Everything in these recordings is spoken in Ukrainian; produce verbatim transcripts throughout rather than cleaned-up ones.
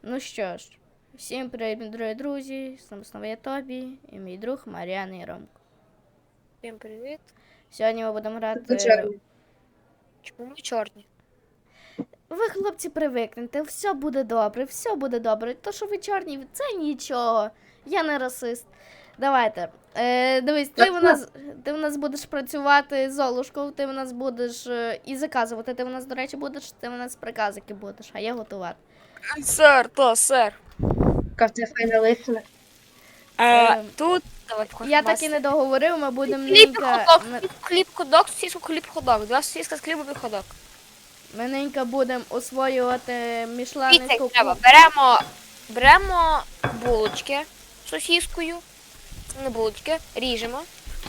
Ну що ж, всім привіт, мої дорогі друзі, з нами знову я Тобі і мій друг Мар'яна і Ромко. Всім привіт. Сьогодні ми будемо Ви грати... чорні. Чому ми чорні? Ви, хлопці, привикнете, все буде добре, все буде добре. То, що ви чорні, це нічого. Я не расист. Давайте. Е, дивись, ти в нас, ти в нас будеш працювати Золушкою, ти в нас будеш е, і заказувати. Ти в нас, до речі, будеш, ти в нас приказики будеш, а я готувати. Сер, то, сер. Кафе файна лисина. А, Ем, тут, давай покажемо. Я так і не договорив, ми будемо Хліб, ненька... ходок, ми- хліб, хліб, ходок, сосиску, хліб, ходок. Два сосиска з хлібом і ходок. Ми ненька будемо освоювати Дивіться, мішленицьку як треба. кухню. Беремо, беремо булочки з сосискою. Не булочки, ріжемо.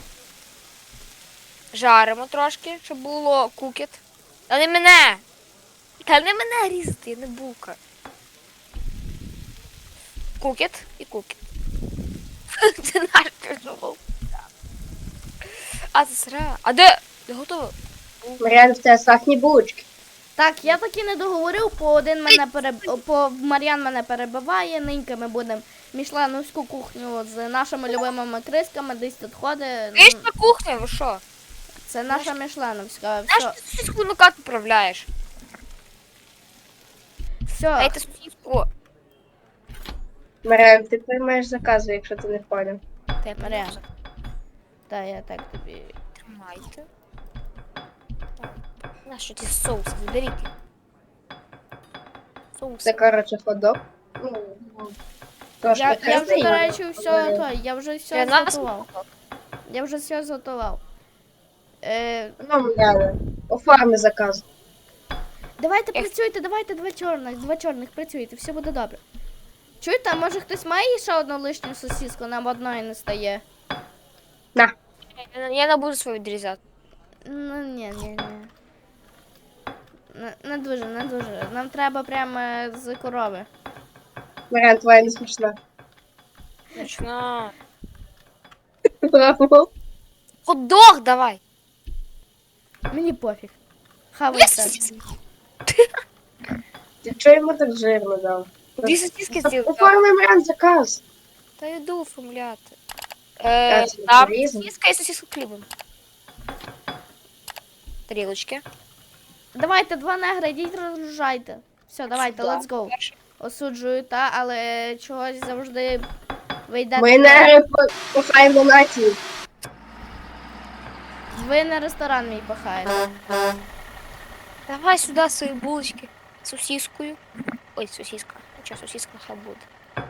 Жаримо трошки, щоб було кукіт. Та не мене! Та не мене різати, я не булка. Кукіт і кукіт. Це наш пішов. А, це сира. А де? Де готово? Мар'ян, в тебе сахні булочки. Так, я так і не договорив, по один мене переб... по Мар'ян мене перебиває, ненька ми будемо мішленовську кухню з нашими любимими крисками, десь тут ходить. Ти ж на кухні, ви що? Це наша мішленовська. Знаєш, Все, ти сосиску на кат управляєш. все, Дайте сосиску. Мар'ян, ти приймаєш закази, якщо ти не поняв. Та Мар'ян. Та я так тобі. Тримайте. На що ті соуси? Заберіть. Соуси. Це, коротше, ходок. Ну, трошки Я, я вже, красивий. до речі, все, то, я вже все Для нас зготував. Я вже все зготував. Е, Ну, Мар'яне, оформи заказ. давайте Ех. працюйте, давайте два чорних, два чорних працюйте, все буде добре. Чуєте, а може хтось має ще одну лишню сосиску, нам одної не стає. На. Я, я не буду свою відрізати. Ну ні, ні, ні. Не, не дуже, не дуже. Нам треба прямо з корови. Мар'ян, твоя не смішна. Точно. Браво. Ходок давай. Мені пофіг. Дві Хавайте. сосиски. Ти чого йому так жирно дав? Дві сосиски зробив. Оформи, Мар'ян, заказ. Та йду оформляти. Я Е, це там порізав. сосиска і сосиску хлібом. Тарілочки. Давайте два негри, йдіть розгружайте. Все, давайте, Сюди. let's go. Перше. Осуджую, та, але чогось завжди ви йдете. Ми не похаємо націю. Ви на ресторан мій пахаєте. Давай сюди свої булочки з сосискою. Ой, сосиска. Нічого, сосиска хай буде.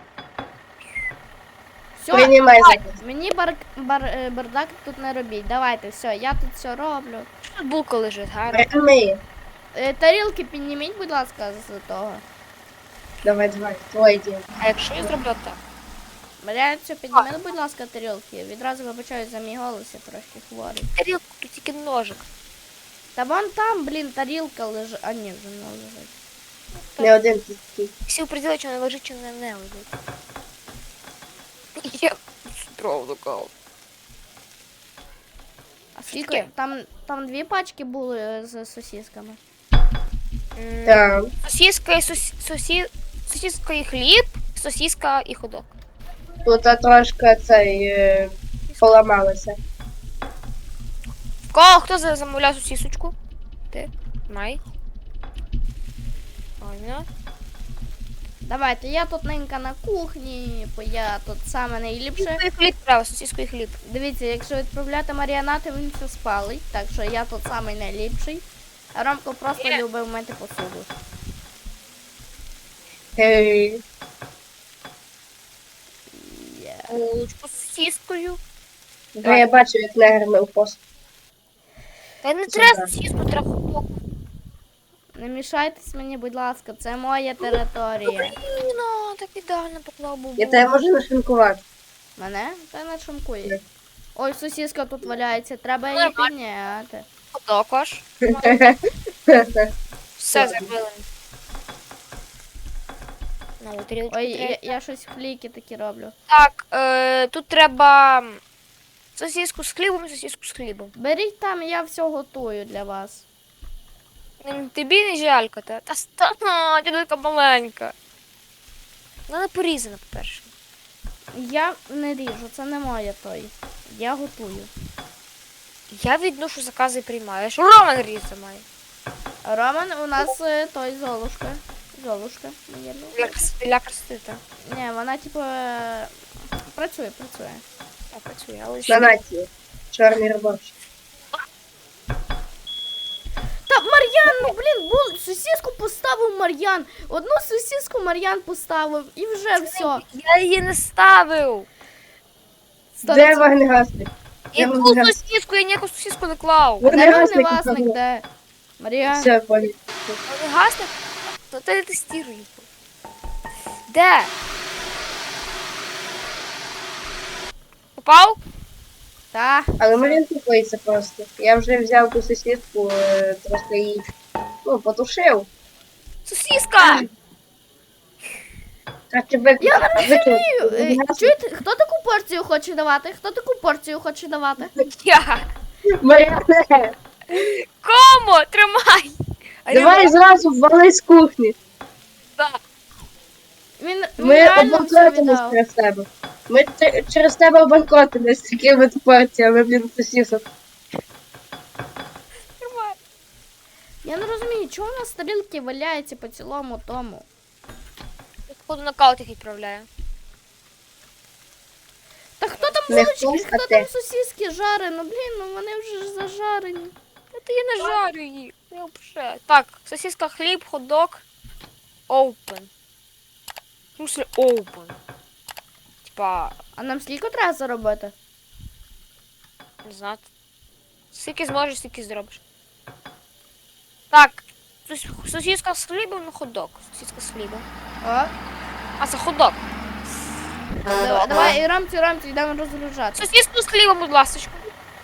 Все, Приймай заказ. мені бар, бар, е, бардак тут не робіть. Давайте, все, я тут все роблю. Що тут булка лежить, гарно? Мар'ян, ми. Е, тарілки підніміть, будь ласка, з того. Давай, давай, твоє діло. А якщо я зроблю так? Маріанцю, підніми, будь ласка, тарілки. Відразу вибачаю за мій голос, я трошки хворий. Тарілку, тут тільки ножик. Та вон там, блін, тарілка лежить. А ні, вже не лежить. Не один ти такий. Всі приділи, чи не лежить, чи не, не лежить. Я правду кажу. А скільки? Скільки? Там, там дві пачки були е, з сосісками. М, Так. Сосиска і сосі... сосі... сосиска і хліб, сосиска і ходок. Тут а, трошки цей е, поламалося. В кого хто за- замовляв сосисочку? Ти? Май. Правильно. Давайте, я тут ненька на кухні, бо я тут саме найліпше. Сосиску і хліб треба, сосиску і хліб. Дивіться, якщо відправляти маріонати, він все спалить, так що я тут самий найліпший. А Ромко просто Є. любив мити посуду. Гей. Є. Булочку з сосискою. Вже я бачу, як негр мив посуд. Та не Це треба так. сосиску, треба ходок. Не мішайтесь мені, будь ласка, це моя територія. Ну, так ідеально поклав бубу. Я тебе можу нашинкувати. Мене? Та не Ні. шумкує. Ой, сосиска тут валяється, треба її підняти. Ходок аж. Все зробили. На тарілочку Ой, треба. я, я щось фліки такі роблю. Так, е, тут треба сосиску з хлібом і сосиску з хлібом. Беріть там, я все готую для вас. М, Тобі не жалько, та? Та стана, ти така маленька. Вона не порізана, по-перше. Я не ріжу, це не моє той. Я готую. Я відношу закази і приймаю. Я ж Роман різати має. Роман у нас е, той Золушка. Золушка, навірно. Для красоти, для красоти, так. Ні, вона типу е, працює, працює. Так, працює, але На ще... нації. Чорний робочий. Та Мар'ян, ну блін, бул, сосиску поставив Мар'ян. Одну сосиску Мар'ян поставив і вже все. Я її не ставив. Де вогнегасник? Я Я ту вогнегасник. сосиску, я ніяку сосиску не клав. Де Вогнегасник. вогневасник, де? Мар'ян. Все, понял. Але гасне? Ну ти не тестируй. Де? Попав? Та. Але Марін тупиться просто. Я вже взяв ту сусідку, е, просто її, ну, потушив. Сосиска! Краще вик... Я не викинути. Е, Чуєте, хто таку порцію хоче давати? Хто таку порцію хоче давати? Я! Мар'яне, Кому? Тримай! А давай я- зразу вали з кухні. Да. Він, він Ми реально все обанкротимось віддав. через тебе. Ми те- через тебе обанкротимось з такими порціями, блін, сусісок. Тримай. Я не розумію, чому у нас тарілки валяються по цілому тому. Я походу нокаут їх відправляю. Та хто там Не булочки, хтось, а хто ти. там сосиски жарить? Ну блін, ну вони вже ж зажарені. Та я не жарю їх. Я вже. Так, сосиска, хліб, хот-дог. Open. В смысле open? Типа, А нам скільки треба заробити? не знаю. Скільки зможеш, стільки зробиш. Так, сос- сосиска з хлібом на хот-дог. Сосиска з хлібом. О, А, це хот-дог. давай, давай, і рамці, рамці, йдемо розгружати. Сосиску з хлібом, будь ласочка.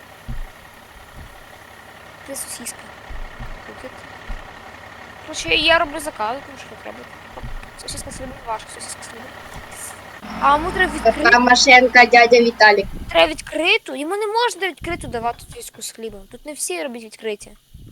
Де сосиска? Тут. Короче, я роблю заказ, тому що треба. Сосиска з хлібом, ваша сосиска з хлібом. А ми треба відкрити. Така машинка дядя Віталік. Треба відкриту. Йому не можна відкриту давати сосиску з хлібом. Тут не всі роблять відкриті.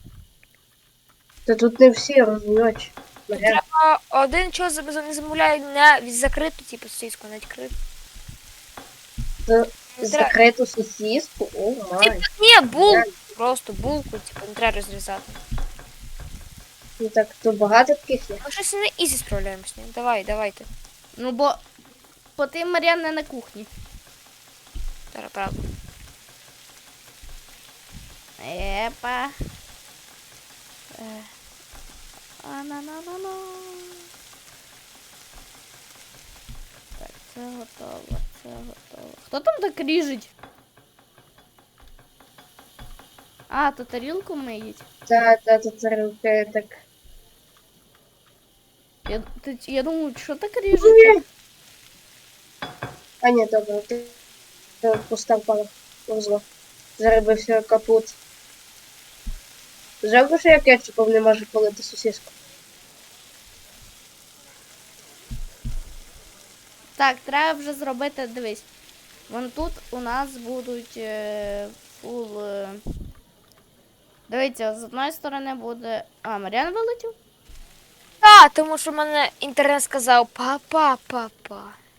Та тут не всі розуміють. Мар'ян, А один чого не замовляє не від закриту, типу сосиску, не відкриту. це Не треба. закриту сосіску, о май. Типу, ні, булку. Просто булку, типу, не треба розрізати. Ну так, то багато таких є. Ми щось на ізі справляємося. Ні? Давай, давайте. Ну бо, бо ти, Мар'ян, не на кухні. Зараз, правда. Епа. Е. А-на-на-на-на. Так, це готово, це готово. Хто там так ріжить? А, то тарілку миють. Та, та, та, та, руки так. Я, ти, я думаю, що так ріжуть? А ні, добре, ти ти постав палок. Повзло. Заробив все капут. Жалко, що я кетчупом не можу полити сосиску. Так, треба вже зробити, дивись. Вон тут у нас будуть е, фул. Е... Дивіться, з одної сторони буде. А, Мар'ян вилетів? Так, тому що в мене інтернет сказав папа, папа.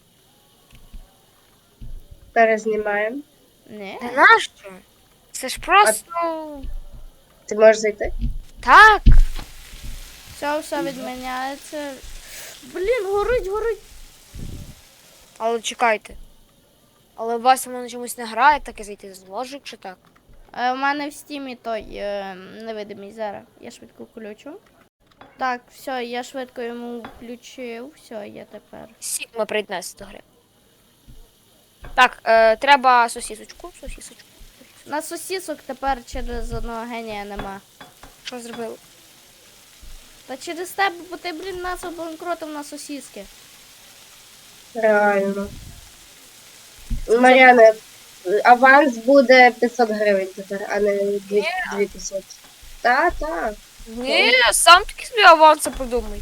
Перезнімаємо. Ні. Та нащо? Це ж просто. Ти можеш зайти? Так. Все, все відміняється. Блін, горить, горить. Але чекайте. Але у вас воно чомусь не грає, так і зайти зможе, чи так? Е, у мене в стімі той е, невидимий зараз. Я швидко включу. Так, все, я швидко йому включив. Все, я тепер. Сігма приєднатися до гри. Так, е, треба сосісочку, сосісочку. На сосісок тепер через одного генія нема. Що зробили? Та через тебе, бо ти, блін, нас обанкротив на сосіски. Реально. Мар'яне, аванс буде п'ятсот гривень тепер, а не дві п'ятсот. Та, та. Ні, сам таки собі аванси придумай.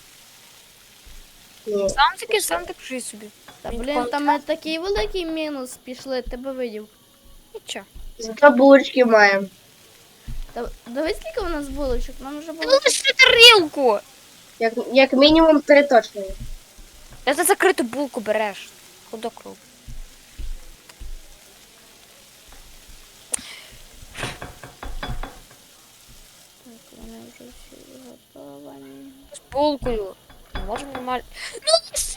Ні. Сам таки, сам так пиши собі. Та Він блін, контракт. там е, такий великий мінус пішли, ти би видів. Нічого. Зато булочки маємо. Та дивись, скільки у нас булочок, нам вже Ти було. лише тарілку! Як, як мінімум три точно є. Де ти закриту булку береш? Ходок роб. Так, вони вже всі готовані. З булкою. Не можемо нормально. Ну, все.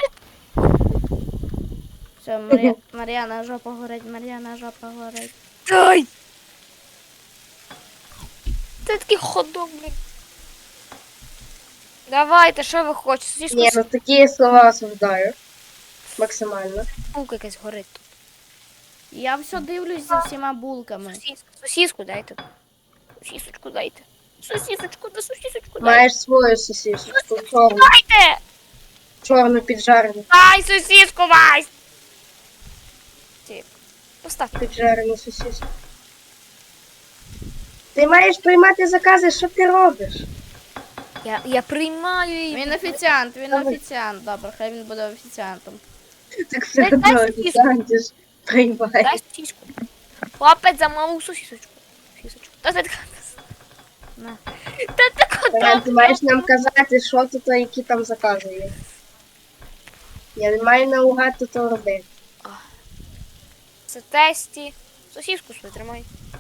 Все, Мар'я... Мар'яна жопа горить, Мар'яна жопа горить. Дай! Це такий ходок, блін. Давайте, що ви хочете? Сосиску Ні, з ну такі слова осуждаю. Максимально. булка якась горить тут. Я все дивлюсь за всіма булками. Сосиску, сосиску дайте. Сосисочку дайте. Сосисочку, да сосисочку дайте. Маєш свою сосисочку, чорну, Дайте! чорну піджарену, Дай сосиску, Вась! Тік. Поставте. піджарену сосиску. Ти маєш приймати закази, що ти робиш? Я, я приймаю її. Він офіціант, він Добре. офіціант. Добре, хай він буде офіціантом. Так все Дай- дай одно сосиску. офіціанти ж приймають. Дай сосиску. Хлопець замовив сосисочку. Сосисочку. Та ти така. На. Та така. Таран, ти маєш нам казати, що тут, а які там закази є. Я не маю наугад тут робити. Це тесті. Сосиску свою тримай.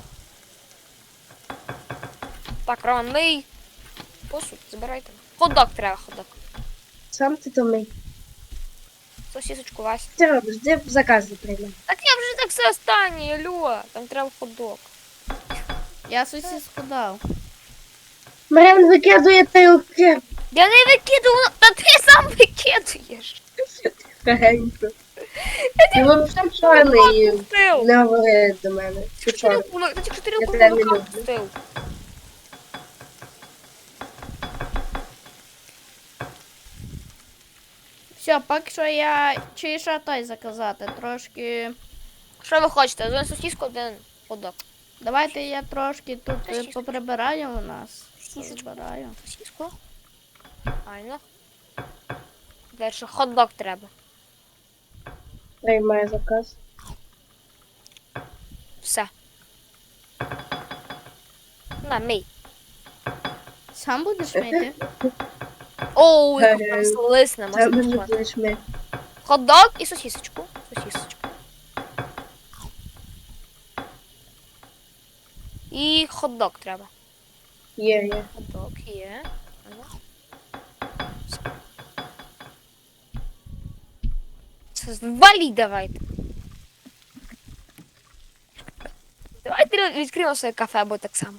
Так, Роман, мий. Посуд, забирайте. Ходок треба, ходок. Сам ти то мий. Сосисочку, Вась. Що ти робиш? Де закази приймай? Так я вже так все останнє, алло. Там треба ходок. Я сосиску дав. Маріан викидує тарілки. Я не викидувала, та ти сам викидуєш. Тихенько. Ти взагалі чорний. Пустив. Не говори до мене. Ти чорний. Тарілку, на- Та тільки Я тарілку тебе не молока люблю. пустив. Все, поки що я чи що той заказати. Трошки. Що ви хочете? Один сосиску, один ходок. Давайте я трошки тут е, Сосиску. поприбираю у нас. Сосисочку. Прибираю. Сосиску. Правильно. Далі хот-дог треба. Приймай заказ. Все. На, мий. Сам будеш мити? Оу, Е, яка слисна, Це можна мене пішла. будеш ми. Хот-дог і сосисочку. Сосисочку. І хот-дог треба. Є, є. Хот-дог є. Ага. Все. Це валіть давайте. Давайте відкриємо своє кафе, або так само.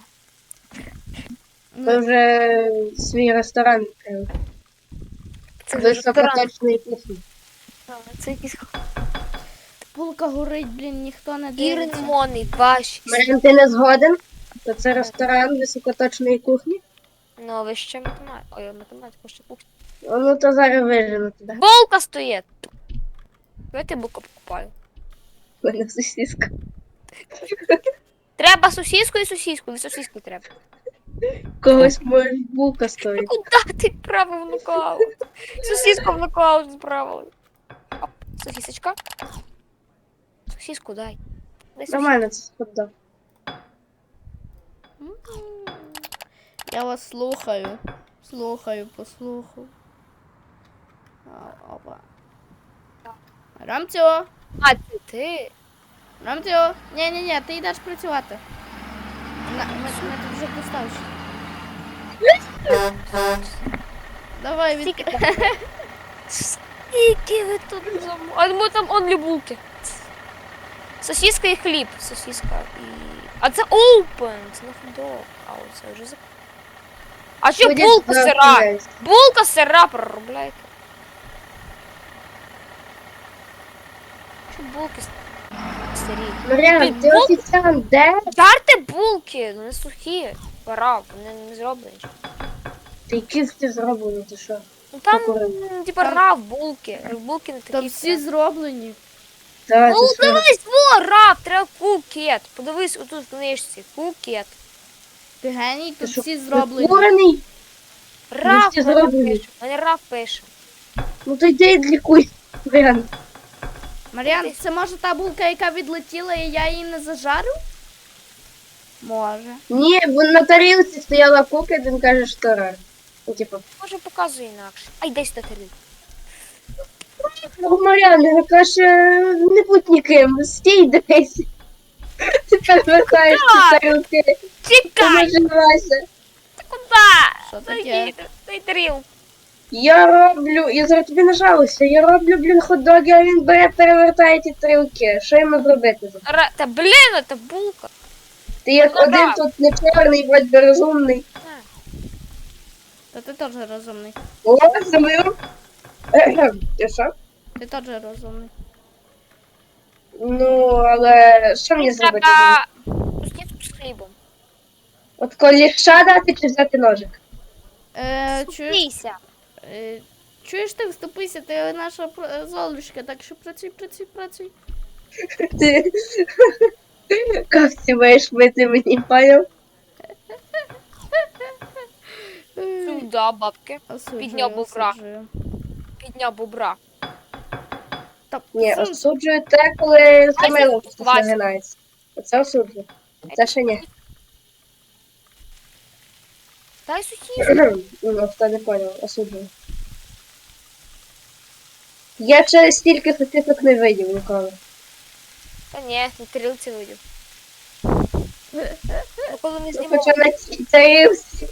Ми вже свій ресторан відкрили. Це вже ресторан. Високоточної кухні. А, Це якийсь Булка горить, блін, ніхто не і дивиться. лимонний, баш. Маріан, ти не згоден? То це ресторан високоточної кухні? Ну, ви ще математику. Ой, математику ще кухню. О, ну то зараз вижену тебе. Булка стоїть. Давайте булку покупаю. У мене сосиска. Треба сосиску і сосиску. І сосиску треба. Когось може булка стоїть. Куда ти правив в нокаут? Сосиску в нокаут справили. Оп, сосисочка. Сосиску дай. Дай сосиску. Нормально, це хот-дог. М. Я вас слухаю. Слухаю, послухав. А, Опа. Рамцю! А, це ти? Рамцю! Ні-ні-ні, ти йдеш працювати. На, ми, ми тут вже поставши. Давай, від... Скільки там? Скільки ви тут замовили? А ми там онлі булки. Сосиска і хліб. Сосиска і... А це open, це не хот-дог. А оце вже зак... А що Будеш булка сира? завтра. Булка сира проробляйте. Що булки с- сирі? Маріан, Ти ти бул- офіціант, де? Жарте булки, ну не сухі. Пора, вони не зроблені. Ти які ти зроблені, ти що? Ну там, Покурив. м, типа, рав булки. Булки не такі. Там всі зроблені. Та, Ну, ти що? дивись, во, раб, треба кукет. Подивись, отут в книжці, кукет. Ти геній, Ти тут що, всі зроблені. прикурений? Раб, всі мене зроблені. пише. Мене раб пише. Ну то йди і лікуй. Маріан, Мар'ян, це може та булка, яка відлетіла, і я її не зажарив? Може. ні, вон на тарілці стояла кука, він каже, що рар. Ну, типу, Може, показує інакше. Ай, дай сюди тарілку. про Мар'яни, каже, не будь ніким, стій десь. Ти перевертаєшся тарілки, ти Чекай! наживайся. Куда? Що Дай таке? їду, дай тарілку. Я роблю, я зараз тобі нажалася, я роблю, блін, хот-доги, а він бере, перевертає ті тарілки. Що йому зробити? Ра... Та блін, це булка. Ти як Ну, один да. тут не чорний, вроді би розумний. Та ти теж розумний. О, замив. Ти що? Ти теж розумний. Ну, але що мені зробити? Треба сусідку з хлібом. От коліша дати чи взяти ножик? Е, чуєш, Сусійся. е, чуєш ти, вступися, ти наша пр- золушка, так що працюй, працюй, працюй. Ти кавці маєш мити мені, поняв? Е, Сюда, бабки. осуджую, підняв бобра. осуджую. Підняв бобра. Та, Ні, сам- осуджую те, коли Вася, самило щось Вася. нагинається. Оце осуджую. Це ще ні. Дай сусідку. Ну, хто не поняв, осуджую. Я через стільки сосисок не видів ніколи. Та ні, на тарілці видів. Ну, коли не Ну, знімав. хоча на цій тарілці.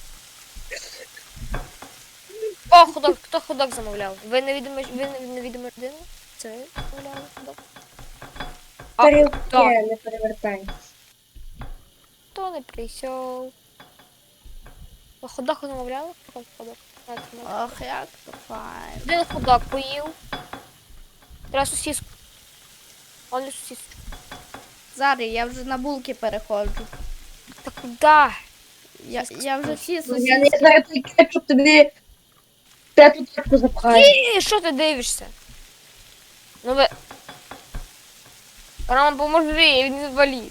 О, ходок, хто ходок замовляв? Ви невідома, ви невідома людина? Це ви замовляли ходок? А, Тарілки так. не перевертаються. Хто не прийшов? Ви ходок замовляли? Ходок, ходок. Так, замовляли. Ох, як то файн. Один ходок поїв. Треба сосиску. Он не сосиску. Зараз я вже на булки переходжу. Та куди? Я, я вже всі Ну, я не сусідські. знаю, той кетчуп тобі п'яту таку запхає. Ні, що ти дивишся? Ну ви... Рома, поможи, він інвалід.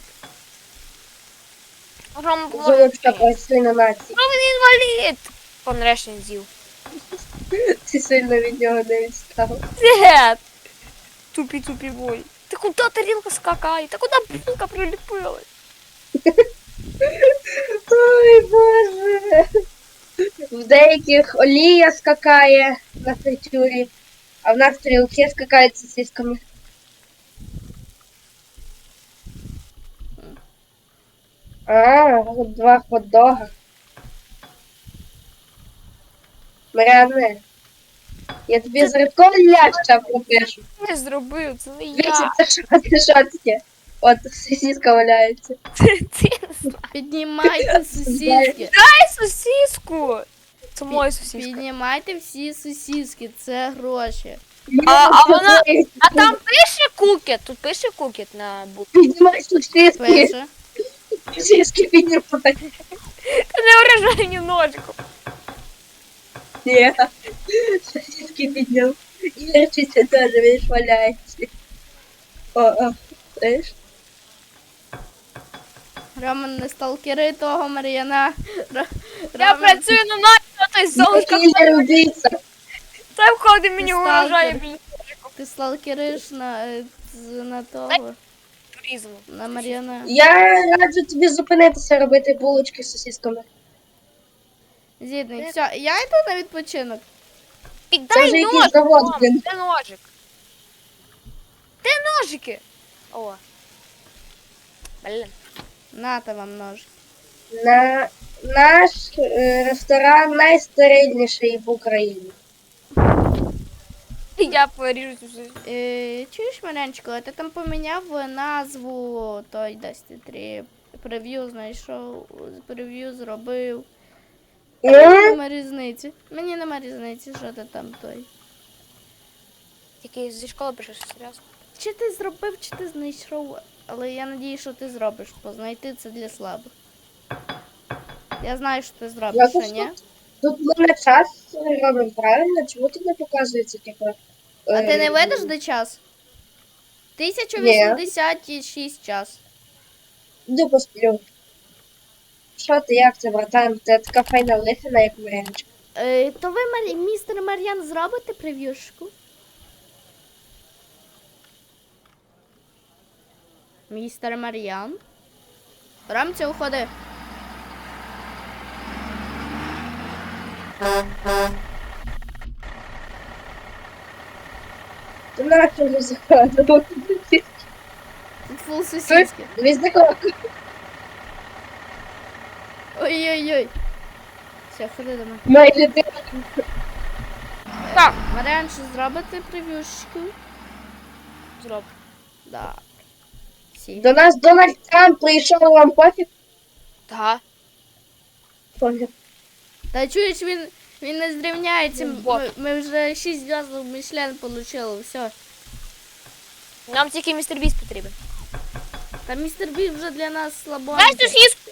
Рома, поможи. Золочка працює на нації. Рома, він інвалід! Пан Решин з'їв. Ти сильно від нього не відстав. Дед! Тупі-тупі бой. Ти куди тарілка скакає? Та куди булка приліпилась? Ой, боже. В деяких олія скакає на фритюрі, а в нас стрілки скакають з сосисками. А, два хот-дога. Маріане, я тобі з рибком ляща пропишу. Не зробив, це не Дивіться, я. це що, це що таке? От сосиска валяється. Ти не знаєш. Піднімайте сусідки. Дай сосиску! Це моя сосиска. Піднімайте всі сусідки, це гроші. А, а вона... А там пише кукет, тут пише кукет на букві. Піднімай сосиски. Пише. Сосиски піднімай. Та не вражай мені ножиком. Ні. Сосиски підняв. І речиця теж, видиш, валяється. О, о, знаєш? Роман, не сталкери того Мар'яна. Ро- Я Роман, працюю на наші, а той золушка Кілер убійця. це входить мені Ти вражає, сталкер. блін, ти сталкериш на, е, з- на того, туризму. на Мар'яна. Я раджу тобі зупинитися робити булочки з сосисками. Зідний, все, я йду на відпочинок. Це вже Піддай якийсь ножик, завод, мам, блін. де ножик? Де ножики? О. Блін. Нате вам нож. На наш е, ресторан найстерильніший в Україні. Я поріжу цю сосиску. Е, чуєш, Марянчико, а ти там поміняв назву той Dusty три. Прев'ю знайшов, прев'ю зробив. А Мені Ну, нема різниці. Мені нема різниці, що ти там той. Тільки зі школи прийшов, серйозно. Чи ти зробив, чи ти знайшов, але я надію, що ти зробиш, бо знайти це для слабих. Я знаю, що ти зробиш, Я що тут- ні? тут ми на час робимо правильно, чому тут не показується, типу... А ти не е, видиш, де час? тисяча вісімдесят шість час. Йду посплю. Що ти, як це, братан? Це така файна лихина, як Марянчик. Е, то ви, Марі... містер Мар'ян, зробите прев'юшку? Містер Мар'ян? Рамця, уходи. То нащо вже заходимо? Тут фул сосиски. Дивись за кого. Ой-ой-ой. Все, ходи до мене. Майже ти. Так, Маріан, що зробити прев'юшечку? зроб. Да. Всі. До нас Дональд Трамп прийшов, вам пофіг? Так. Пофіг. Та чуєш, він, він не зрівняється. Ну, вот. Ми, ми вже шість зв'язок Мішлен получили, все. Нам тільки містер Біст потрібен. Та містер Бі вже для нас слабо. Дай сосиску!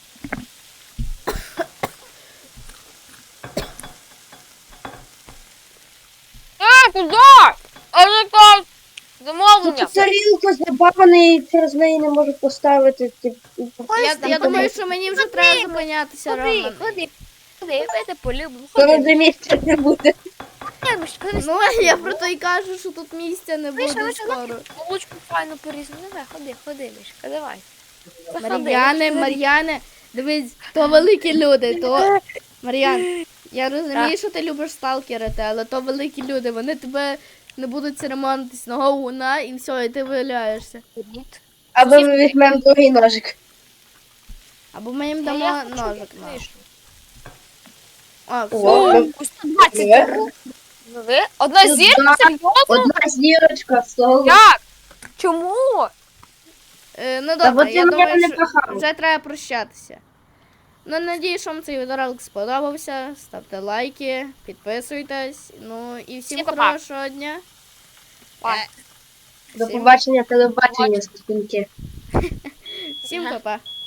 А, куди? А не так! Замовлення! Тут тарілка забавана і через неї не можу поставити. Типу, Я, Ось я там думаю, ходи. що мені вже треба зупинятися, Ходи, Роман. ходи, ходи, я тебе полюблю. то Ходи, на місця не буде. Миш, ходи, Ну, а я про то й кажу, що тут місця не Вийшла, буде вийшла, скоро. Молочку файно порізано. Давай, ходи, ходи, Мишка, давай. Заходи, Мар'яне, Мишка, Мар'яне, дивись, то великі люди, то. Мар'ян, я розумію, що ти любиш сталкерити, але то великі люди, вони тебе не будуть церемонитись на голову на і все, і ти виявляєшся. Ні. Або ми візьмемо другий ножик. Або ми їм Я дамо хочу ножик на. книжку. А, все. О, О, сто двадцять. Ви? Одна Ну, зірка? да. Серйозно? Одна зірочка, соло. Як? Чому? Е, ну Та добре, от я ти мене думаю, не що кохав. вже треба прощатися. Ну, надію, що вам цей відеоролик сподобався. Ставте лайки, підписуйтесь. Ну і всім Всім па-па. хорошого дня. Па. До Всім, побачення телебачення, скотинки. всім па-па.